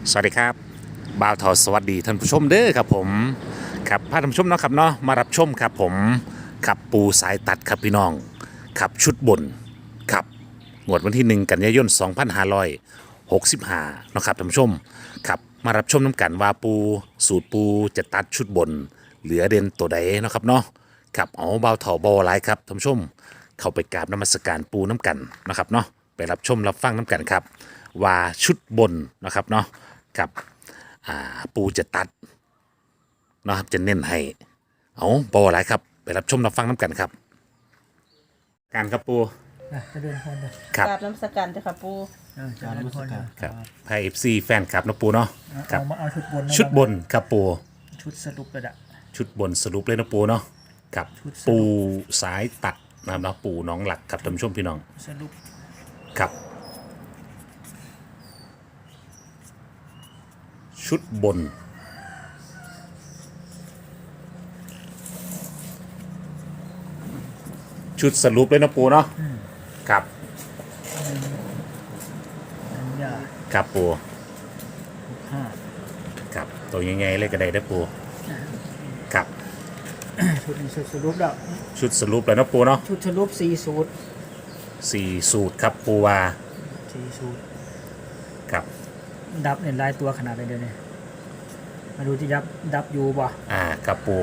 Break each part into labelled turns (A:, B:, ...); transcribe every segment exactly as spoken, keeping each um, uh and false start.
A: สวัสดีครับบ่าวทอสวัสดีท่านผู้ชมเด้อครับผมครับพาท่านผู้ชมเนาะครับเนาะมารับชมครับผมขับปูสายตัดครับพี่น้องขับชุดบนขับงวดวันที่หนึ่งกันยายนสองพันห้าร้อยหกสิบห้าเนาะครับท่านผู้ชมครับมารับชมน้ำกันว่าปูสูตรปูจะตัดชุดบนเหลือเด่นตัวใดเนาะครับเนาะครับเอาบ่าวทอบอไลายครับท่านผู้ชมเข้าไปกราบนมัสการปูน้ำกันนะครับเนาะไปรับชมรับฟังน้ำกันครับว่าชุดบนนะครับเนาะกับอ่าปูจะตัดเนาะครับจะเน้นให้เอาบออะไรครับไปรับชมรับฟังน้ำกันครับการครับปู
B: นะจะเดินคนเด้อ
A: ครับ
C: กราบน้ำสกันจ้ะค่ะปู
B: เออจะเดินคนเด้อ
A: ครับไพเอฟซีแฟนครับนะปูเนาะครั
B: เอา
A: บ
B: มาเอาชุดบนนะ
A: ชุดบนครับปู
B: ชุดสรุปเลยอะ
A: ชุดบนสรุปเลยนะปูเนาะครับ
B: ชุดสรุป
A: ปูสายตัดนะครับเนาะปูน้องหลักครับท่านผู้ชมพี่น้อง
B: สรุป
A: ครับชุดบนชุดสรุปเลยนะปูเนาะครับ
B: นันยา
A: ครับปู
B: หกห้า
A: ครับตัวยังไงเลยก็ได้ได้อปูครับ
B: ชุดนี้ชุดสรุปแล้ว
A: ชุดสรุปแล้วนะปูเนาะ
B: ชุดสรุปสี่สูตร
A: สี่สูตรครับปูวา
B: สี่สูตร
A: ครับ
B: ดับเนี่ยลายตัวขนาดไหนเดี๋ยวนี้มาดูที่ดับดับอยู่ป่ะ
A: อ่าครับปู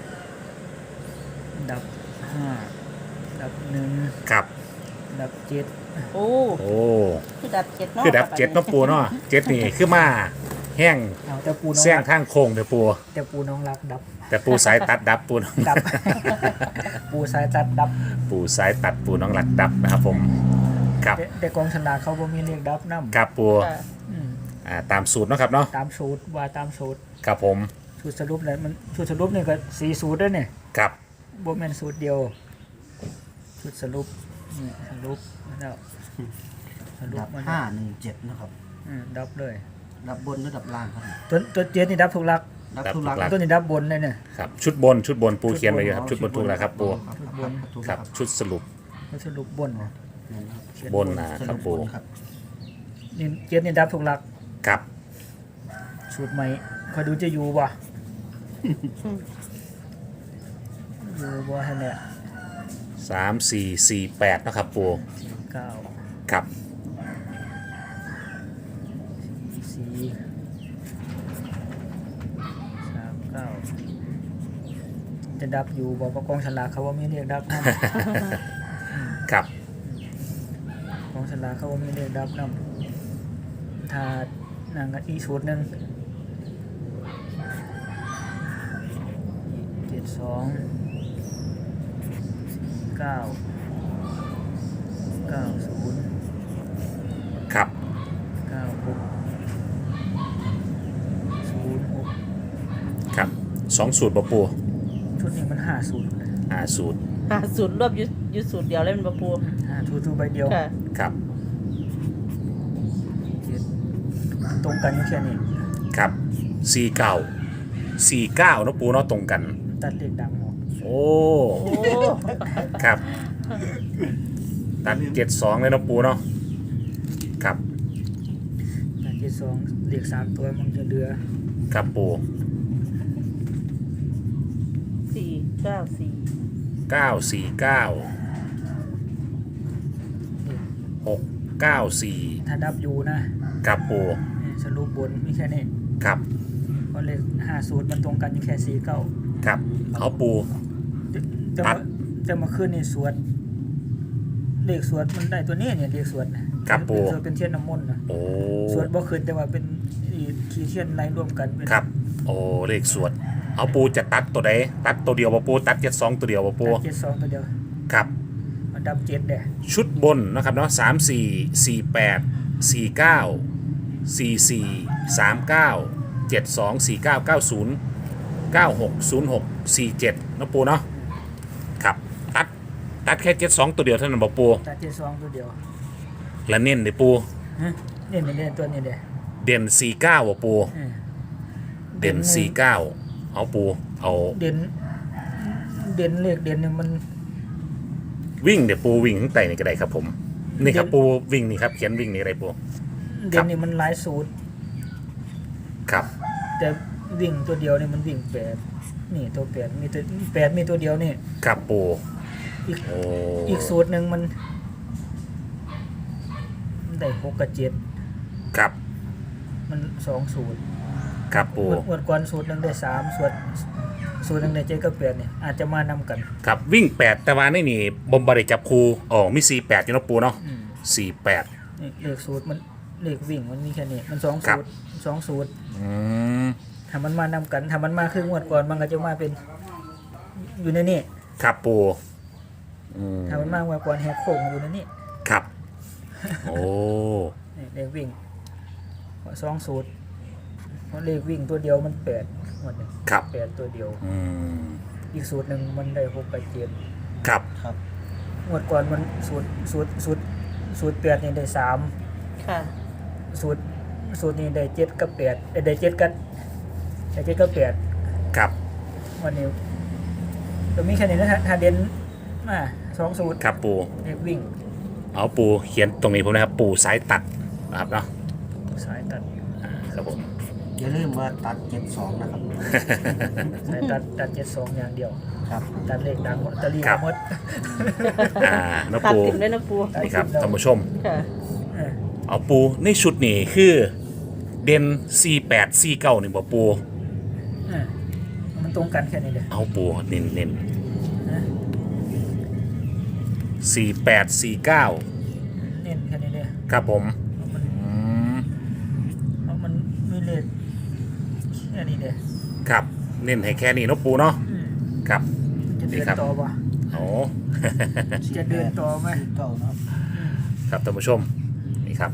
B: ดับห้าดับหนึ่ง
A: ครับ
B: ดับเจ็ด
C: โอ้
A: โอ้
C: คือดับเจ็ดเนาะ
A: คือดับเจ็ดเนาะปูเนาะเจ็ดนี่คือมาแห้ง
B: เอาแต่ปูน้อง
A: แซง
B: รัก
A: ทางโค้งเด้อปู
B: แต่ปูน้องรักดับ
A: แต่ปูสายตัดดับปูน้อง
B: ดับ ปูสายตัดดับ
A: ปูสายตัดปูน้องหลักดับนะครับผมครับ
B: แต่แต่กองฉลากเขาบ่มีเรียกดับน้ำ
A: ครับปู
C: ค่ะ
B: อืม
A: อ่าตามสูตรเนาะครับเนาะ
B: ตามสูตรว่าตามสูตร
A: ครับผม
B: สูตรสรุปเลยมันสูตรสรุปนี่ก็สี่สูตรด้วยเนี่ย
A: ครับ
B: บ่แม่นสูตรเดียวสูตรสรุปนี่สรุปแล้วสรุป
D: ดับ
B: มัน
D: ห้าหนึ่งเจ็ดนะครับ
B: อืมดับเลย
D: ดับบนหรือดับล่างครับ
B: ตัวตัวเจ็ดนี่ดับทุกหลัก
D: ดับทุกหลัก
B: ตัวนี้ดับบนเลยเนี่ย
A: ครับชุดบนชุดบนปูเขียนไว้อยู่ครับชุดบนถูกแล้วครับปู
B: ชุดบน
D: ถูก
A: ครับชุดสรุป
B: มันสรุปบนนะ เขียน
A: บนนะ
D: ส
A: ครั
D: รุ
A: บ
D: ป
A: ปู
D: บนครับ
B: นี่เจ็ดนี่ดับทุกหลัก
A: ครับ
B: สูตรใหม่คอยดูจะอยู่บ่อยู่บ่ฮะเนี่ย
A: สามสี่สี่แปดนะครับปู
B: เก้า
A: ครับ
B: สี่สามเก้าจะดับอยู่บอกว่ากองฉลากเขาว่ามีเรียกดับนะ
A: ครับ
B: ของสลากเขาว่ามีเลขดับนำถ้านางกันอีกสูตรหนึ่งเจ็ดสองเก้าเก้าศูนย์
A: ครับ
B: เก้าหกศูนย์หก
A: ครับสองสูตรบปู
B: ชุดนี้มันห้าสูตร
A: อ่าสูตร
C: หาสูตรรวบอยุยุสูตรเดียวเลยมันบ่ปู
B: ห้าสูตรใบเดียว
C: ค่ะ
A: ครับ
B: เจ็ดตรงกันอยู่แค่นี้
A: ครับสี่เก้าสี่เก้านะปูเนาะตรงกัน
B: ตัดเลขดังออก
A: โอ้
C: โอ้
A: ครับตัดเจ็ดสองเลยนะปูเนาะครับ
B: ตัดเจ็ดสองเลขสามตัวมันจะเหลือ
A: ครับปู
C: สี่เก้าสี่
A: เก้าสี่เก้าหกเก้าสี่
B: ถ้าดับอยู่นะครับ
A: ปู
B: นี่สรุปบนมีแค่นี้
A: ครับ
B: เพราะเลขห้าสูตรมันตรงกันอยู่แค่สี่เก้า
A: ครับเอาปู
B: จะ
A: ตั
B: มา
A: ด
B: จะมาขึ้นในสวดเลขสวดมันได้ตัวนี้เนี่ยเลขสวดนะครับ
A: ปู่
B: เลขสวดเป็นเทียนน้ำมนต์นะ
A: โอ้
B: สวดบ่ขึ้นแต่ว่าเป็นอีขีเทียนไล่รวมกันเป็น
A: ครับโอ้เลขสวดเอาปูจะตัดตัวใดตัดตัวเดียวบ่ปูตัดเจ็ดสองตัวเดียวบ่ปู
B: เจ็ดสองตัวเดียว
A: ครับ
B: มันดับเจ็ดเด้
A: ชุดบนนะครับเนาะสามสี่สี่แปดสี่เก้าสี่สี่สามเก้าเจ็ดสองสี่เก้าเก้าศูนย์เก้าหกศูนย์หกสี่เจ็ดนะปูเนาะครับตัดตัดแค่เจ็ดสองตัวเดียวเท่านั้นบอกปู
B: ตัดเจ็ดสองตัวเดียว
A: และเน้นเลยปู
B: ฮะเนี่ยเนี่ยเนี่ยตัวนี้เด้
A: เด่นสี่เก้าปู
B: เออ
A: เด่นสี่เก้าเอาปูเอา
B: เด่นเด่นเลขเด่นเนี่ยมัน
A: วิ่งเดี๋ยวปูวิ่งข้างใต้นี่ก็ได้ครับผมนี่ครับปูวิ่งนี่ครับเขียนวิ่งนี่ก็ได้ปู
B: เด่นนี่มันหลายสูตร
A: ครับ
B: แต่วิ่งตัวเดียวนี่มันวิ่งแปดนี่ตัวแปดมีตัวแปดมีตัวเดียวนี่
A: ครับปู
B: อีก
A: โอ้
B: อีกสูตรหนึ่งมันมันได้หกกับเจ็ด
A: ครับ
B: มันสองสูตร
A: ครับปู
B: งวดงวดก่อนสูตรหนึ่งได้สามสูตรสูตรหนึ่งได้เจ็ดกับแปดเนี่ยอาจจะมานำกัน
A: ครับวิ่งแปดแต่ว่านี่นี่บอมบาร์ดจับคูอ๋อมีสี่แปดอยู่เนาะปูเนาะ
B: อืม
A: สี่แปด
B: นี่เลขสูตรมันเลขวิ่งมันมีแค่นี้มันสอง
A: ครั
B: สู
A: บ
B: ตรสองสูตร
A: อืม
B: ถ้ามันมานำกันถ้ามันมาคืองวดก่อนมันก็จะมาเป็นอยู่ในนี่
A: ครับปูอืม
B: ถ้ามันมางวดก่อนแหกโค้งอยู่ในนี่
A: ครับ โอ้
B: นี่เลขวิ่งสองสูตรเพราะเลขวิ่งตัวเดียวมันแปดงวดหนึ่ง
A: ครับ
B: แปดตัวเดียว
A: อืม
B: อีกสูตรหนึ่งมันได้หกกับเจ็ด
A: ครับ
D: ครับ
B: งวดก่อนมันสูตรสูตรสูตรสูตรแปดนี่ได้สาม
C: ค่ะ
B: สูตรสูตรนี้ได้เจ็ดกับแปดเอ้ยได้เจ็ดกับได้เจ็ดกับแปด
A: ครับ
B: วันนี้ตัวมีแค่นี้นะฮะถ้าเด่นมาสองสูตร
A: ครับปู
B: เลขวิ่ง
A: เอาปูเขียนตรงนี้ผมนะครับ ปูสายตัดนะครับเนาะ
B: สายตัด
A: อ่าครับผม
D: อย่าลืมว่าตัดเจ็ดสองนะครับ
B: สายตัดตัดเจ็ดสองอย่างเดียว
D: ครับ
B: ตัดเลขดังหมดตะลีหมด
A: อ่าเนาะ
C: ตัด
A: ปู
C: ติดด้วยนะปู
A: นี่ครับท่านผู้ชม
C: ค่ะ
B: เออ
A: เอาปูในชุดนี้คือเด่นสี่แปดสี่เก้านี่บ่ปู
B: เออมันตรงกันแค่นี้เลย
A: เอาปูเน้นเน้น
B: นะ
A: สี่แปดสี่เก้า
B: เน้นแค่นี้เลย
A: ครับผม
B: เพราะมัน
A: อืม
B: เพราะมันมีเลขแค่นี้เลย
A: ครับเน้นให้แค่นี้เนาะปูเนาะ
B: อืม
A: ครับ
B: จะเดิ
A: นี่
B: น
A: ครับ
B: ต่อปะ
A: โอ้
B: จะเดินต่อไหม
D: สี่เก้านะครับ
A: ครับท่านผู้ชมนี่ครับ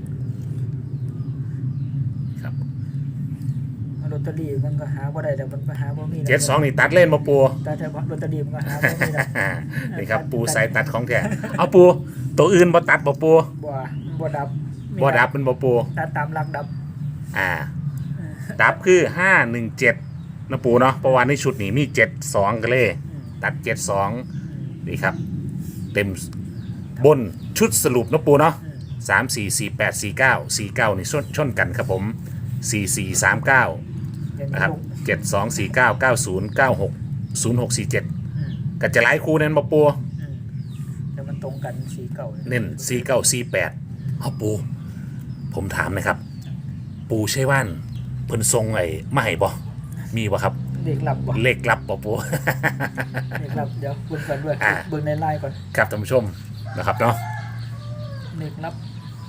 A: ครับ
B: ลอตเตอรี่มันก็หาบ่ได้แต่มันก็หาบ่มีแล้ว
A: เจ็ดสองนี่ตัดเล่นมาปู
B: แต่ถ้าลอตเตอรี่มันก็หาบ่มีแล้ว
A: นี่ครับปูสายตัดของแท้เอาปูตัวอื่นบ่ตัดบ่ปู
B: บ่บ่ดับมี
A: บ่ดับเป็นบ่ปู
B: ตัดตามหลักดับ
A: อ่าดับคือห้าหนึ่งเจ็ดนะปูเนาะเพราะว่าในชุดนี้มีเจ็ดสองกันเลย
B: อืม
A: ตัดเจ็ดสอง
B: อืม
A: นี่ครับ เต็มบนชุดสรุปนะปูเนาะ
B: อืม
A: สามสี่สี่แปดสี่เก้าสี่เก้านี่ชนชนกันครับผมสี่สี่สามเก้า
B: เดี๋ยว
A: นะครับ
B: ลง
A: เจ็ดสองสี่เก้าเก้าศูนย์เก้าหกศูนย์หกสี่เจ็ด
B: อืม
A: ก็จะหลายคู่เน้นมาปู
B: อืมแต่มันตรงกันสีเก่า
A: เน้นสี่เก้าสี่แปดเอาปู ผมถามหนะครับ ปูใช่ว่านเพิ่นทรงไอ้มาให้บ่มีบ่ครับ
B: เด็กหลับบ่
A: เลขลับบ่ปู
B: เด็กหลับเดี๋ยวเบิ่งก่อนด้วย
A: อ่า
B: เบิ่งในไลน์ก่อน
A: ครับท่านผู้ชมนะครับเนาะ
B: เด็กหลับ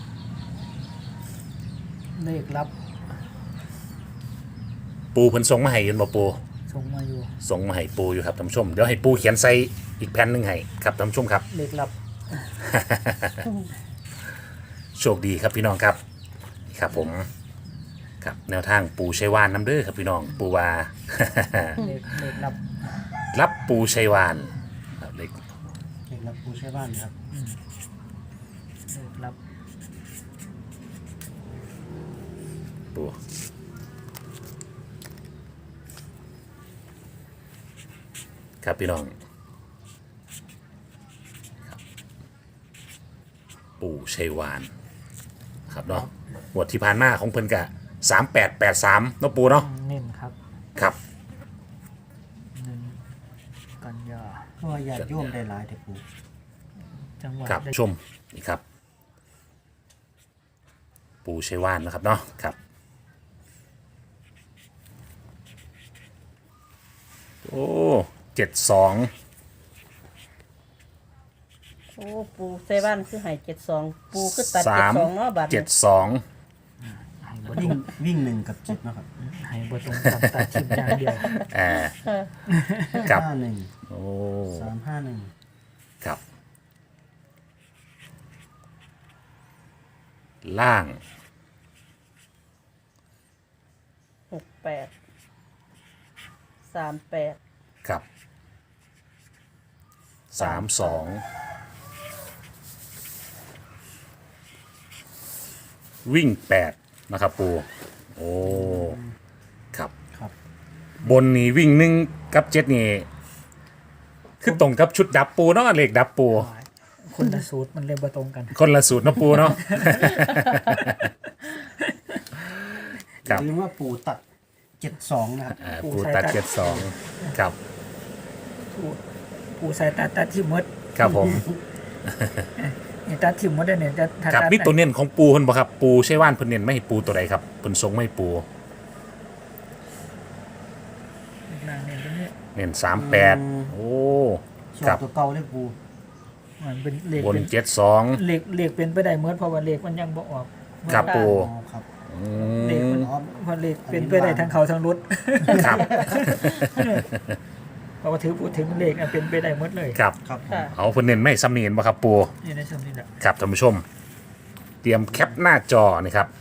B: เด็กหลับ
A: ปูเพิ่นทรงมาให้ยืนบ่ปู
B: ส่งมาอยู่
A: ส่งมาให้ปูอยู่ครับท่านผู้ชมเดี๋ยวให้ปูเขียนใส่อีกแผ่นหนึงให้ครับท่านผู้ชมครับ
B: เด็กหลับ
A: โชคดีครับพี่น้องครับนี่ครับผมครับแนวทางปูชัยวานน้ำเด้อครับพี่น้องปูวา
B: เด็กเด็กหลับ
A: รับปูชัยวานครับเล็ก
D: เด็กรับผู้ใช้บ้านนะครับ
B: เด็กหลับ
A: ปูครับพี่น้องครับปูชัยวานครับเนาะหมวดที่ผ่านมาของเพิ่นกะสามแปดแปดสามเนาะปูเนาะ
B: เน้นครับ
A: ครับ
B: หนึ่งกันยา
D: เพราะว่าญาติโยมได้หลายแต่ปู
B: จังหวัด
A: ครับ
B: ได้
A: ชมนี่ครับ ปูชัยวานนะครับเนาะครับ โอ้เจ็ดสอง
C: โอ้ปูเซบ้านคือใหายเจ็ดสองปูคือตัด
A: สา
C: เจ็ด
A: ม
C: สองเนาะบัตร
A: เจ็ดสอง
B: ให้บ่
D: วิ่งวิ่งหนึ่งกับเจ็ดนะครับ
B: ให้บ่ตรงกับตัดชิมอย่างเดียว
A: อ่าครับ
D: ห้าหนึ่ง
A: โอ้
D: สามห้าหนึ่ง
A: ครับ ล่าง
C: หกแปดสามแปด
A: ครับสามสองวิ่งแปดนะครับปูโอ้ครับ
D: ครับ
A: บนนี่วิ่งหนึ่งกับเจ็ดนี่คือตรงกับชุดดับปูเนาะเลขดับปู
B: คนละสูตรมันเลยบ่ตรงกัน
A: คนละสูตรเนาะปูเนาะครับ
D: ลืมว่าปู่ตัดเจ็ดสองนะครับ
A: อ่าปูตัดเจ็ดสองครับ
B: ปูปูใส่ตัดตัดที่หมด
A: ครับผม
B: นี่ตัดที่หมดได้เนี่ยจะถ้า
A: ครับ
B: ตัด
A: มีตัวเน้นของปูเพิ่นบ่ครับปูใช่ว่านเพิ่นเน้นไม่ให้ปูตัวใดครับเพิ่นทรงไม่ให้ปู
B: นางเนี่ยตรงนี้
A: เน้นสามแปดโอ้
D: ชอ
A: ครับ บ
D: ตัวเก่าเลยปู่
B: มันเป็นเลข
A: บน
B: เป็น
A: เจ็ดสอง
B: เลขเลขเป็นไปได้เมื่อเพราะว่าเลขมันยังบ่ออก
A: ครับปู
D: อ๋อครับ
A: อื
B: เลข
A: ม
B: มันเพราะเลขเป็นไปได้ทั้งเขาทั้งรถ
A: ครับ
B: เพราะว่าถือพูดถึงเลขอันเป็นไปได้หมดเลย
A: ครับ
D: ครับผม
C: ค่ะ
A: เอาเพิ่นเน้นไม่ซ้ำเนียนบ่ครับปู
B: นี่ในช่วงนี้แหละ
A: ครับท่านผู้ชม เตรียมแคปหน้าจอนี่ครับ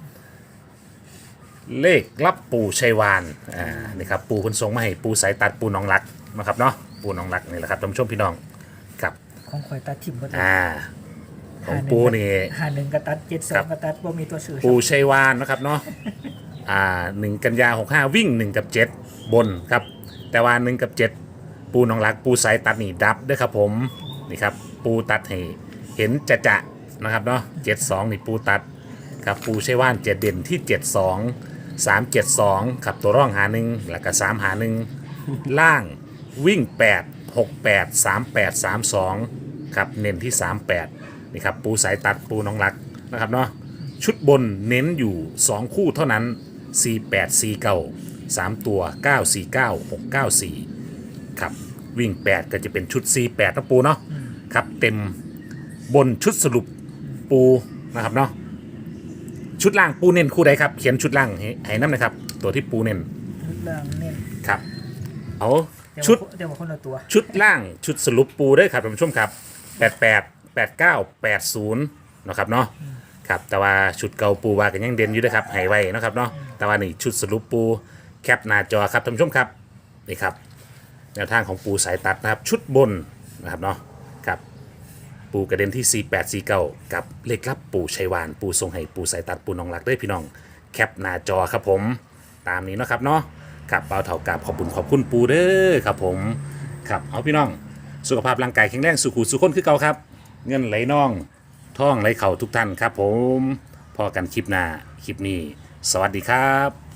A: เลขรับปูชัยวานอ่านี่ครับปูเพิ่นส่งมาให้ปูสายตัดปูหน้องรักนะครับเนาะปูหน้องรักนี่แหละครับท่านผู้ชมพี่น้องครับ
B: ของข่อยตัดทิมหมดเลย
A: อ่าของปูนี่
B: หาหนึ่งก็ตัดเจ็ดสอ
A: ครั
B: ง
A: บ
B: ก็ตัดว่ามีตัวสื่อ
A: ปูชัยวานนะครับเนาะอ่าหนึ่งกันยาหกห้าวิ่งหนึ่งกับเจ็ดบนครับ แต่ว่าหนึ่งกับเจ็ดปูหน้องรักปูสายตัดนี่ดับเด้วยครับผมนี่ครับปูตัดให้เห็นจะจะนะครับเนาะเจ็ดสองนี่ปูตัดครับปูชัยวานเจ็ดเด่นที่เจ็ดสองสามเจ็ดสองครับตัวร่องหาหนึ่งแล้วก็สามหาหนึ่งล่างวิ่งแปดหกแปดสามแปดสามสองครับเน้นที่สามแปดนี่ครับปูสายตัดปูน้องรักนะครับเนาะชุดบนเน้นอยู่สองคู่เท่านั้นสี่แปดสี่เก้าสามตัวเก้าสี่เก้าหกเก้าสี่ครับวิ่งแปดก็จะเป็นชุดสี่แปดนะปูเนาะครับเต็มบนชุดสรุปปูนะครับเนาะชุดล่างปูเน้นคู่ใดครับเขียนชุดล่างให้ให้น้ำหนะครับตัวที่ปูเน้น
B: ชุดล่างเน้น
A: ครับเอา
B: แต่ว่า
A: ชุด
B: แต่ว่าคนละตัว
A: ชุดล่างชุดสรุปปูด้วยครับท่านผู้ชมครับแปดแปดแปดเก้าแปดศูนย์นะครับเนาะครับแต่ว่าชุดเก่าปูว่ากันยังเด่นอยู่ด้วยครับให้ไว้นะครับเนาะแต่ว่านี่ชุดสรุปปูแคปหน้าจอครับท่านผู้ชมครับนี่ครับแนวทางของปูสายตัดนะครับชุดบนนะครับเนาะครับปูกระเด็นที่สี่แปดสี่เก้ากับเลขลับปูชัยวานปูทรงให้ปูสายตัดปูน้องรักด้วยพี่น้องแคปหน้าจอครับผมตามนี้เนาะครับเนาะครับเปาเถากราบขอบคุณขอบคุณปูเด้อครับผมครับเอาพี่น้องสุขภาพร่างกายแข็งแรงสุขุสุขคนคือเก่าครับ เงินไหลน่องท่องไหลเข่าทุกท่านครับผมพอกันคลิปหน้าคลิปนี้ สวัสดีครับ